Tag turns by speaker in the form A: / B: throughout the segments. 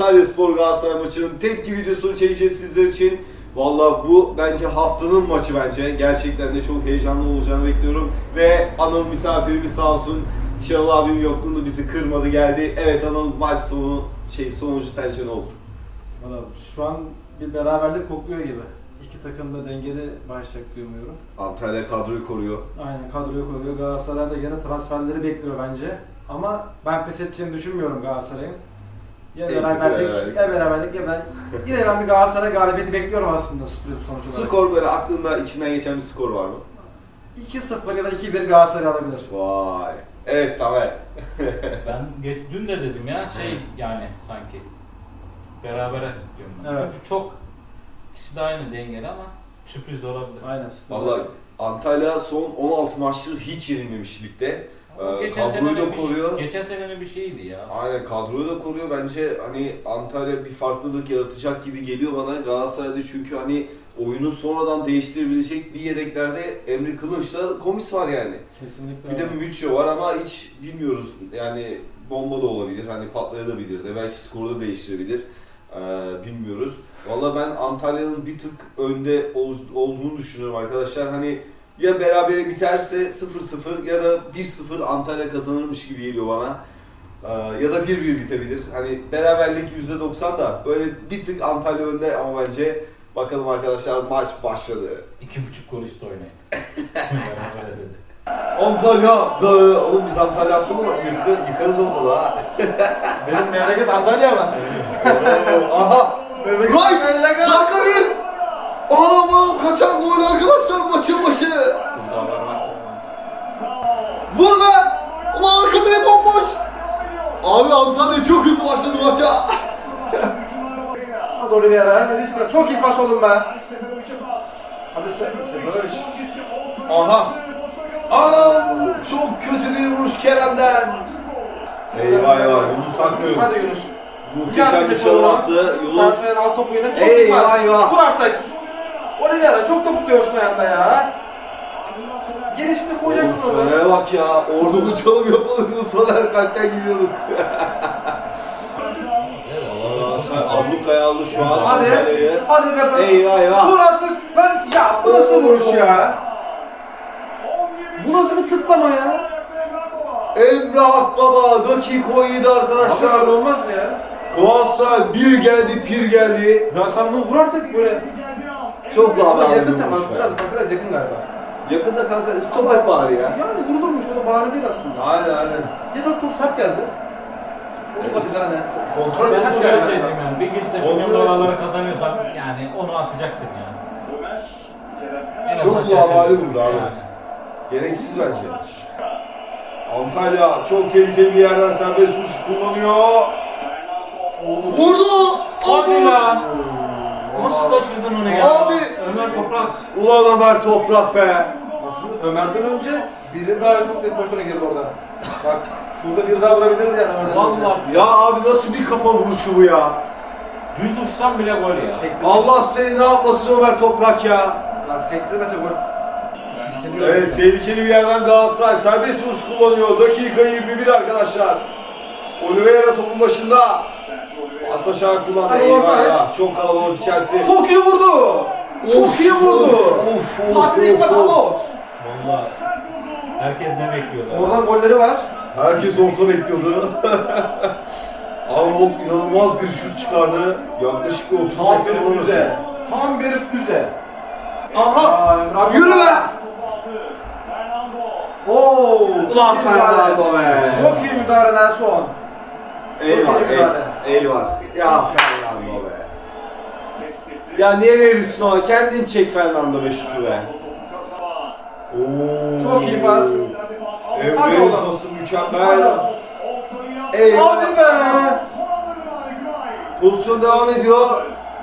A: Antalyaspor Galatasaray maçının tepki videosunu çekeceğiz sizler için. Valla bu bence haftanın maçı bence. Gerçekten de çok heyecanlı olacağını bekliyorum. Ve Anıl misafirimiz sağ olsun. Şenol abim yokluğunda bizi kırmadı geldi. Evet Anıl, maç sonucu sence ne olur?
B: Valla şu an bir beraberlik kokluyor gibi. İki takım da dengeli başlayacak diye umuyorum.
A: Antalya kadroyu koruyor.
B: Aynen, kadroyu koruyor. Galatasaray da yine transferleri bekliyor bence. Ama ben pes edeceğini düşünmüyorum Galatasaray'ın. Ya beraberlik ya da yine ben bir Galatasaray galibiyeti bekliyorum aslında, sürpriz sonuç olarak.
A: Skor böyle aklında içinden geçen bir skor var mı?
B: 2-0 ya da 2-1 Galatasaray alabilir.
A: Vay. Evet Tamer.
C: Ben dün de dedim ya yani sanki berabere diyorum ben.
B: Evet.
C: Çünkü çok ikisi de aynı dengeli ama sürpriz de olabilir.
B: Aynen, sürpriz.
A: Valla Antalya son 16 maçtır hiç yenilmemiş ligde. Kadroyu da koruyor.
C: Geçen senenin bir şeyiydi ya.
A: Aynen, kadroyu da koruyor. Bence hani Antalya bir farklılık yaratacak gibi geliyor bana Galatasaray'da, çünkü hani oyunu sonradan değiştirebilecek bir yedeklerde Emre Kılınç'la Komis var yani.
B: Kesinlikle.
A: Bir de Mütço var ama hiç bilmiyoruz yani, bomba da olabilir, hani patlayabilir de, belki skoru da değiştirebilir. Bilmiyoruz. Valla ben Antalya'nın bir tık önde olduğunu düşünüyorum arkadaşlar. Hani ya berabere biterse 0-0 ya da 1-0 Antalya kazanırmış gibi geliyor bana. Ya da 1-1 bitebilir. Hani beraberlik %90 da böyle bir tık Antalya önde ama bence bakalım arkadaşlar, maç başladı.
C: 2,5 gol üstü oynayın. Berabere dedi.
A: Antalya! Oğlum biz Antalya attık mı yıkarız ortada ha.
B: Benim memleket Antalya mı?
A: Aha!
B: Memleket
A: Right! Dakika bir! Anam kaçan gol arkadaşlar maçın başı! Vur be! Ulan arkada hep bomboş! Abi Antalya çok hızlı başladı maça.
B: Hadi Oliveira, risk. Çok iyi pas oğlum be. Hadi Seferovic.
A: Aha! Anam! Çok kötü bir vuruş Kerem'den. Eyvah eyvah, Yunus Akgün.
B: Hadi Yunus.
A: Muhteşem bir çalım attı. Yunus.
B: Tarafından alt topu yine çok iyi
A: Eyvah
B: pas.
A: eyvah.
B: Vur artık. Oliveira çok top tutuyorsun ayağında ya. Gelişini koyacaksın
A: Oğlum
B: orada.
A: Soner'e bak ya, orada bu çalım yapalım mı? Soner kalpten gidiyorduk. Ablukaya aldı şu an
B: Hadi.
A: Antalya'yı.
B: Hadi be.
A: Eyvah eyvah.
B: Vur artık. Ya bu nasıl vuruş ya? Bu nasıl bir tıklama ya?
A: Emre Akbaba dakika 17 arkadaşlar.
B: Abi olmaz ya.
A: Galatasaray bir geldi pir geldi.
B: Ya sen bunu vur artık böyle.
A: Çok daha
B: Ama
A: bağlı
B: yakın
A: bir
B: tamam.
A: vuruş be.
B: Biraz yakın galiba.
A: Yakında kanka, stop et bari ya.
B: Yani vurulurmuş, o da bahane değil aslında.
A: Aynen.
B: Ya da çok sert geldi. Onun başında ne?
A: Kontrol
C: Ben
A: etsin
C: şöyle
A: yani.
C: şey diyeyim yani, bir gizli
A: Kontrol
C: milyon
A: et.
C: dolarları kazanıyorsan yani onu atacaksın yani. En
A: Çok
C: azından
A: lavali
C: çerçeve-
A: burada abi.
C: Yani.
A: Gereksiz bence. Antalya çok tehlikeli bir yerden serbest vuruş kullanıyor. Vurdu!
C: Hadi ya!
A: Abi!
C: Nasıl kaçırdın onu ya?
A: Abi!
C: Ömer Toprak.
A: Ulan Ömer Toprak be!
B: Aslında Ömer'den önce biri daha çok net pozisyona girdi orada. Bak şurada bir daha vurabilirdi yani Ömer'den önce.
C: Vallahi
A: Ya abi nasıl bir kafa vuruşu bu ya?
C: düz uçsam bile gol ya.
A: Allah seni ne yapmasın Ömer Toprak ya?
B: Bak sektirmese gol. Hissediyor.
A: Evet, tehlikeli bir yerden Galatasaray serbest vuruş kullanıyor. Dakika 21 arkadaşlar. Oliveira topun başında. Paslaşarak kullandı.
B: Hadi
A: Eyvah
B: orta
A: ya. Çok kalabalık içerisi.
B: Çok iyi vurdu. Çok iyi vurdu. Hadi bak Alot.
C: Vallahi herkes ne bekliyorlar?
B: Oradan golleri var.
A: Herkes orta bekliyordu. Arnold inanılmaz bir şut çıkardı. Yaklaşık bir 30
B: Tam
A: metre
B: bir
A: orası.
B: füze. Tam bir füze.
A: Aha!
B: Aa,
A: Yürü be!
B: Oo!
A: Ulan Fernando be!
B: Çok iyi müdahale Nelson.
A: El var,
B: Çok iyi
A: el var. Ya Fernando be. Ya niye verirsin ona? Kendin çek Fernando be şutu be. Oo.
B: Çok iyi pas. Hadi
A: Emre'nin
B: oğlum.
A: pası mükemmel. Eyvah.
B: Hadi be!
A: Pozisyon devam ediyor.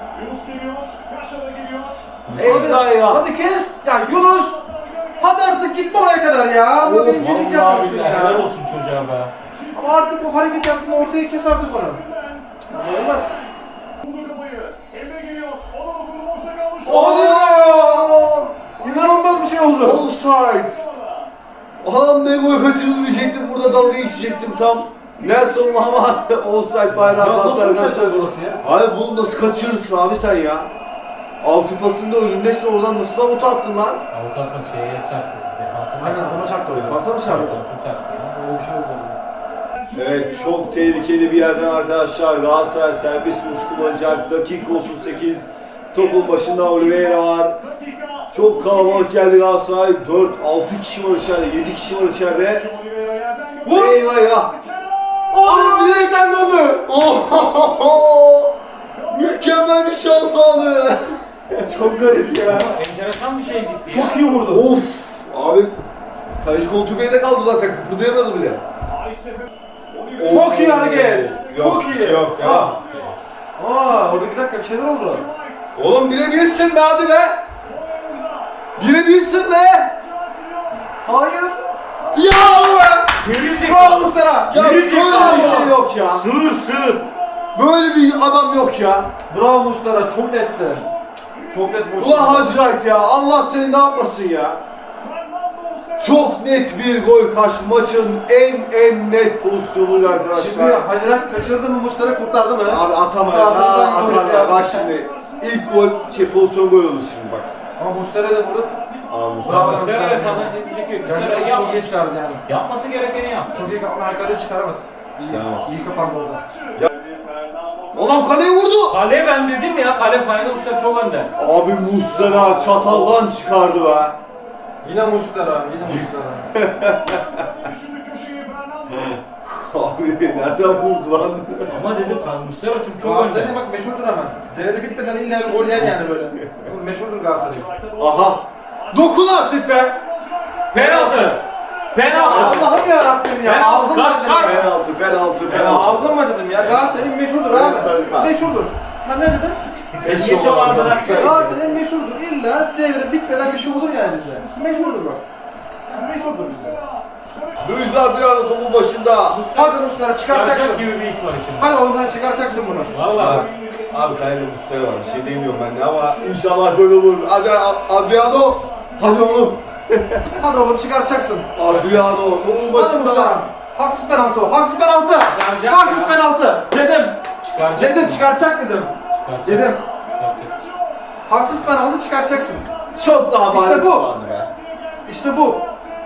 A: Eyvah eyvah.
B: Hadi kes! Ya Yunus! Hadi artık gitme oraya kadar ya! Bu bencillik
C: Vallahi
B: yapıyorsun
C: billahi helal
B: ya!
C: olsun çocuğa be.
B: Ama artık o hareket yaptın, ortaya kes artık onu. Olmaz.
A: Oo!
B: İnanılmaz bir şey oldu.
A: Offside. Adam ne gol kaçırdı diyecektim, burada dalga geçecektim tam. Nelson ama offside bayrağı kalktı arkadaşlar.
B: burası ya?
A: Hayır bunu nasıl kaçırırsın abi sen ya? Altı pasında önündesin oradan nasıl avuta attın lan?
C: Avut atma şeye çarptı. Defansa çarptı.
B: Aynen adama çarptı orada.
A: Defansa mı çarptı?
C: Defansa çarptı ya.
B: Öyle bir şey oldu orada.
A: Evet çok tehlikeli bir yerden arkadaşlar Galatasaray serbest vuruş kullanacak. Dakika 38. Topun başında Oliveira var. Çok kalabalık geldi Galatasaray. 4-6 kişi var içeride, 7 kişi var içeride.
B: Vur!
A: Eyvah ya! Oğlum direkten döndü! Mükemmel bir şans aldı. Çok garip ya.
C: Enteresan bir şey gitti ya.
B: Çok iyi vurdu.
A: Of! Abi kaleci koltuğu beyde kaldı zaten. Kıpırdayamadı bile.
B: Çok iyi hareket.
A: Yok,
B: Çok iyi.
A: Yok ya.
B: Orada bir dakika bir şeyler oldu.
A: Oğlum birebirsin be hadi be. Birebirsin be.
B: Hayır.
A: Ya be.
B: Bravo Muslera.
A: Ya böyle bir şey yok ya.
C: Sığır.
A: Böyle bir adam yok ya.
B: Bravo Muslera. Çok netti. Çok net Muslera.
A: Ulan Hacı Wright ya. Allah seni ne yapmasın ya. Çok net bir gol kaçtı. Maçın en net pozisyonuydu arkadaşlar.
B: Şimdi Hacirat kaçırdı mı Muslera kurtardı mı?
A: Abi atamadı.
B: Tartışmadan
A: Atamadı.
B: gidiyoruz.
A: Bak şimdi. İlk gol pozisyon gol oldu şimdi bak.
B: Ama Muslera da burada
A: Mustafa.
C: Muslera senden çekecek yok. Muslera
B: gerçekten
C: yap.
B: çok iyi çıkardı yani.
C: Yapması gerekeni yap.
B: Çok iyi kapma arkadan çıkaramaz.
A: Çıkaramaz.
B: İyi kapandı orada.
A: Ulan kaleye vurdu.
C: Kale ben dedim ya, kale finalde Muslera çok önde.
A: Abi Muslera çatallan çıkardı be.
B: Yine Muslera.
A: Abi nereden vurdu lan?
C: Ama dedim Muslera çok
B: Galatasaray'ın
C: önde.
B: bak meşhurdur ama. Devrede bitmeden illa bir gol yer yani böyle. Bu meşhurdur Galatasaray'ın.
A: Aha. Dokun artık be.
C: Penaltı.
B: Allah'ım yarabbim ya.
C: Penaltı,
B: Ağzım var dedim ya.
A: Penaltı.
B: Ağzım var dedim ya. Galatasaray'ın meşhurdur
A: Evet, sarı
B: abi.
A: kart.
B: Meşhurdur. Ben ne dedim?
A: Eşi
C: Geçti
A: olmaz
C: vardı
A: zaten.
C: lan.
B: Galatasaray'ın meşhurdur. İlla devre bitmeden bir şey olur yani bizde. Meşhurdur bak. Yani meşhurdur bizde.
A: Luis Adriano topun başında.
B: Hadi Muslera çıkartacaksın.
C: Yargak gibi bir iş var içinde.
B: Hadi oğlum ben çıkartacaksın bunu.
C: Valla.
A: Abi kalede Muslera var. Bir şey demiyorum ben de ama inşallah böyle olur. Hadi Adriano. Hadi oğlum.
B: Hadi oğlum çıkartacaksın.
A: Adriano topun
B: Hadi
A: başında.
B: Muslera. Haksız penaltı o. Haksız penaltı.
C: Çıkaracak
B: Haksız
C: ya.
B: penaltı. Dedim.
C: Çıkaracak.
B: Dedim çıkartacak dedim.
C: Çıkaracak.
B: Dedim.
C: Çıkaracak.
B: Haksız penaltı çıkartacaksın.
A: Çok daha
B: İşte
A: bari
B: bu.
A: kullandı be.
B: İşte bu.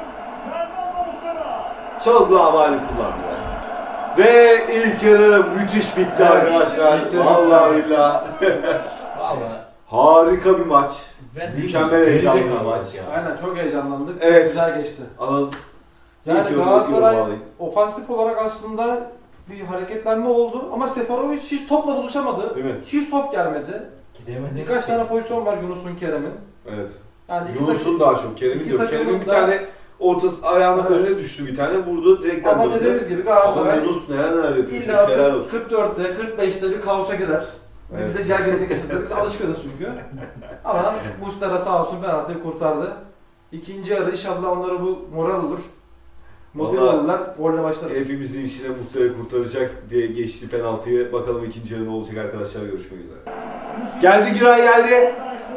A: Çok daha bari kullandı be. Ve ilk yarı müthiş bitti
B: Evet,
A: arkadaşlar.
B: ilk yarı
A: Vallahi
B: bitti.
A: billahi.
C: Valla.
A: Harika bir maç.
C: Ben
A: Mükemmel heyecanlı bir maç.
C: ya.
B: Aynen çok heyecanlandık.
A: Evet.
B: Güzel geçti.
A: Anıl.
B: Yani
A: İlk yorum
B: Galatasaray
A: alayım.
B: ofansif olarak aslında bir hareketlenme oldu ama Seferovic hiç topla buluşamadı.
A: Değil mi?
B: Hiç top gelmedi.
C: Gidemedi.
B: Birkaç tane pozisyon var Yunus'un, Kerem'in.
A: Evet.
B: Yani iki
A: Yunus'un daha çok. Kerem'in
B: iki
A: yok.
B: takımın
A: Kerem'in bir
B: da-
A: tane ortası ayağının
B: Evet.
A: önüne düştü bir tane. Vurdu direkten
B: Ama
A: döndü.
B: dediğimiz gibi
A: Ama
B: Galatasaray
A: Yunus neler yapıyor.
B: illa
A: Helal olsun.
B: 44'te, 45'te bir kaosa girer.
A: Evet.
B: Bize gerginlik yaşadık. Biz alışkınız çünkü. Ama Muslera sağ olsun penaltıyı kurtardı. İkinci yarı inşallah onlara bu moral olur. Motive
A: Vallahi-
B: olurlar. Golle başlarız.
A: Hepimizin işine Muslera kurtaracak diye geçti penaltıyı. Bakalım ikinci yarı ne olacak arkadaşlar. Görüşmek üzere. Geldi Güray geldi.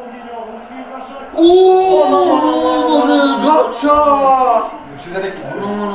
A: Ooo! Gapça!
B: Yükselerek gitti.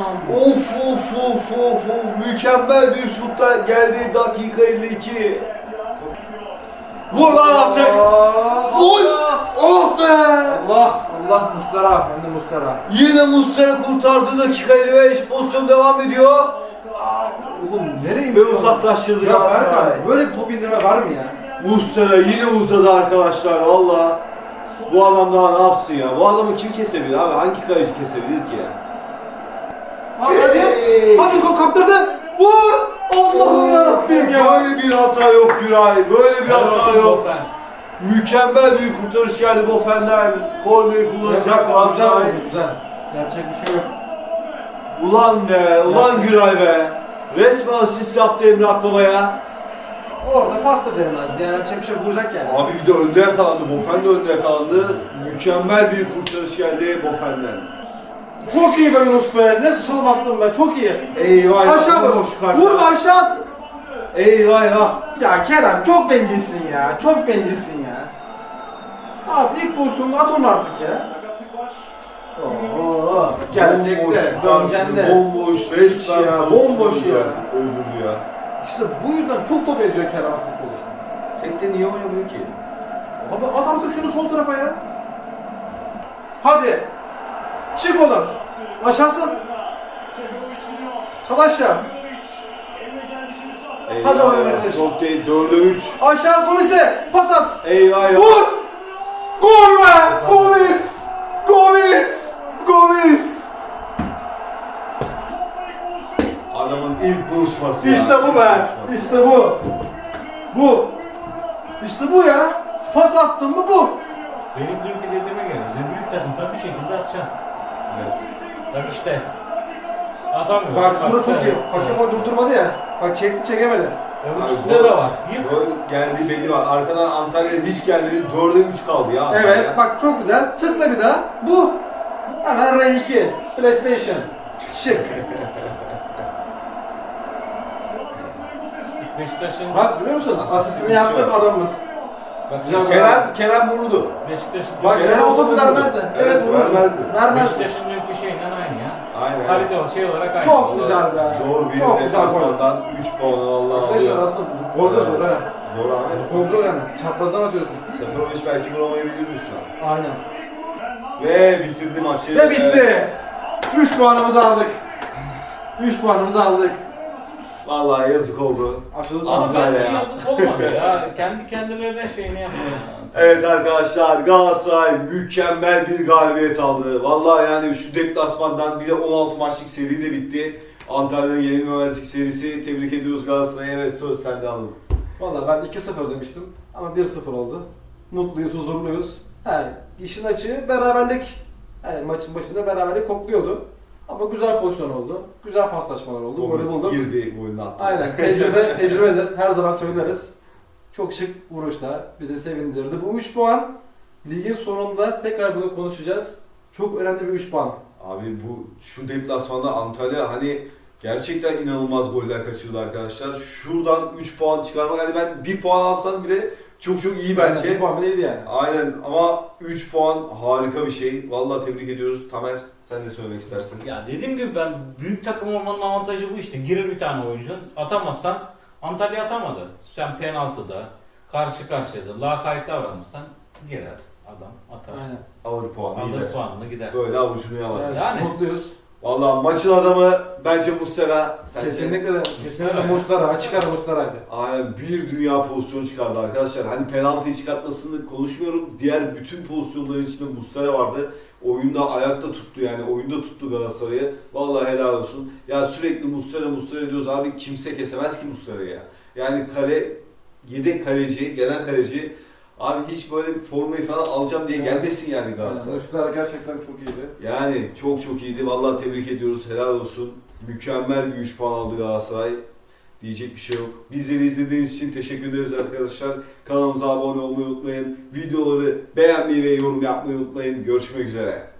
A: Of. Mükemmel bir şutla geldi dakika 52. Vur lan artık. Gol! Oh be!
B: Allah Muslera. Ben de Muslera.
A: Yine Muslera kurtardı dakika 55. Pozisyon devam ediyor.
B: Oğlum nereye
A: Ve
B: indiriyorsun?
A: uzaklaştırdı
B: Ya
A: Galatasaray.
B: Erkan böyle bir top indirme var mı ya?
A: Muslera yine uzadı arkadaşlar valla. Bu adam daha ne yapsın ya? Bu adamı kim kesebilir abi? Hangi kaleci kesebilir ki ya?
B: Hadi. Hadi gol kaptırdı. Vur. Allah'ım yarabbim ya.
A: Böyle bir hata yok Güray. Böyle bir hata yok. Mükemmel bir kurtarış geldi Bofen'den. Korneri kullanacak Galatasaray.
B: Güzel. Yapacak bir şey yok.
A: Ulan be, ulan Güray be. Resmen asist yaptı Emre Akbaba'ya.
B: Orada pasta veremezdi yani yapacak bir şey vuracak yani.
A: Abi bir de önde yakalandı. Bofen de önde yakalandı. Mükemmel bir kurtarış geldi Bofen'den.
B: Çok iyi be Yunus be. Ne çalım attın be. Çok iyi.
A: Eyvah.
B: Aşağı vur. Vurma aşağı at.
A: Eyvah.
B: Ya Kerem çok bencilsin ya. Çok bencilsin ya. Abi ilk pozisyonda at onu artık ya. Oo, gelecek
A: Bomboş,
B: de, döneceksin de.
A: bomboş, resmen
B: Ya,
A: pozisyonu
B: bomboş ya.
A: Öldürdü ya.
B: İşte bu yüzden çok top eziyor Kerem Aktürkoğlu işte.
A: Tekte niye oynamıyor ki?
B: Abi at artık şunu sol tarafa ya. Hadi. Çık oğlum. Aşağısın. Sal aşağı. Hadi oğlum arkadaş.
A: Çok değil, 4'e 3.
B: Aşağı Gomis'e. Pas at.
A: Eyvah ya.
B: Vur. Gol be. Gomis. Gomis. Gomis.
A: Adamın ilk buluşması
B: İşte
A: ya.
B: bu
A: ilk
B: be.
A: buluşması.
B: İşte bu. Bu. İşte bu ya. Pas attın mı bu.
C: Benim dünkü dediğime göre büyük takımsan bir şekilde atacaksın.
A: Evet.
C: Bak işte. Atamıyor.
B: Bak şurada çok iyi. Hakem o durdurmadı ya. Bak çekti çekemedi.
C: Öbür
A: Abi,
C: üstünde de var. Yık.
A: Gol geldiği belli var. Arkadan Antalya'ya hiç gelmedi. 4'e 3 kaldı ya.
B: Evet bak çok güzel. Tıkla bir daha. Bu. Hemen R2. PlayStation. Şık.
C: Beşiktaş'ın
B: Bak biliyor musun?
A: Asistini
B: Asistini yaptı
A: şey
B: adamımız.
C: bak
B: Güzel.
A: Kerem vurdu.
C: Beşiktaş'ın
B: Bak
A: Kerem
B: Kerem olması
A: olsa
B: vermezdi.
A: vururdu.
B: Evet
A: Evet,
B: vururdu.
A: vermezdi.
B: Vermezdi.
C: Beşiktaş'ın dünkü şeyinden aynı ya.
A: Aynen.
C: Kalite şey olarak aynı.
B: Çok güzel be.
A: Zor bir
B: Çok güzel gol.
A: deplasmandan 3 puan vallahi
B: Arkadaşlar
A: alıyor.
B: aslında gol de zor ha.
A: Zor abi.
B: Çok zor yani. Çaprazdan atıyorsun.
A: Seferovic belki vuramayabilirmiş şu an.
B: Aynen.
A: Ve bitirdi maçı.
B: Ve bitti. 3 puanımızı aldık. 3 puanımızı aldık.
A: Vallahi yazık oldu.
B: Aşılı
C: Ama
A: Güzel
C: bence
A: ya.
C: yazık olmadı ya. Kendi kendilerine şeyini yapıyor.
A: Evet arkadaşlar, Galatasaray mükemmel bir galibiyet aldı. Vallahi yani şu deplasmandan bir de 16 maçlık seri de bitti. Antalya'nın yenilmemezlik serisi. Tebrik ediyoruz Galatasaray'a. Evet, söz sende alalım.
B: Valla ben 2-0 demiştim ama 1-0 oldu. Mutluyuz, huzurluyuz. He, işin açığı beraberlik. Yani maçın başında beraberlik kokluyordu. Ama güzel pozisyon oldu. Güzel paslaşmalar oldu. Golü
A: Gomis
B: bulduk.
A: girdi, golünü attı.
B: Aynen. Tecrübedir. Her zaman söyleriz. Çok şık vuruşlar. Bizi sevindirdi. Bu 3 puan ligin sonunda tekrar bunu konuşacağız. Çok önemli bir 3 puan.
A: Abi bu şu deplasmanda Antalya hani gerçekten inanılmaz goller kaçırdı arkadaşlar. Şuradan 3 puan çıkarmak, hani ben 1 puan alsam bile çok iyi
B: Yani
A: bence.
B: 1 puan bile iyiydi yani.
A: Aynen, ama 3 puan harika bir şey. Vallahi tebrik ediyoruz. Tamer, sen ne söylemek istersin?
C: Ya dediğim gibi ben büyük takım olmanın avantajı bu işte. Girer bir tane oyuncun. Atamazsan Antalya atamadı. Sen penaltıda, karşı karşıyada, lakayt davranırsan girer adam atar.
B: Aynen.
A: Alır puanı,
C: Alır
A: gider.
C: puanını gider.
A: Böyle avucunu yalarsın.
B: Evet,
C: Yani.
B: Mutluyuz.
A: Vallahi maçın adamı bence Muslera. Sence?
B: Kesinlikle Muslera. Açık ara Muslera'ydı.
A: Aynen, bir dünya pozisyonu çıkardı arkadaşlar. Hani penaltıyı çıkartmasını konuşmuyorum. Diğer bütün pozisyonların içinde Muslera vardı. Oyunda ayakta tuttu, yani oyunda tuttu Galatasaray'ı. Vallahi helal olsun. Ya sürekli Muslera diyoruz abi, kimse kesemez ki Muslera'yı ya. Yani yedek kaleci, gelen kaleci abi hiç böyle bir formayı falan alacağım diye gelmesin yani Galatasaray.
B: Muslera gerçekten çok iyiydi.
A: Yani çok iyiydi. Vallahi tebrik ediyoruz. Helal olsun. Mükemmel bir 3 puan aldı Galatasaray. Diyecek bir şey yok. Bizleri izlediğiniz için teşekkür ederiz arkadaşlar. Kanalımıza abone olmayı unutmayın. Videoları beğenmeyi ve yorum yapmayı unutmayın. Görüşmek üzere.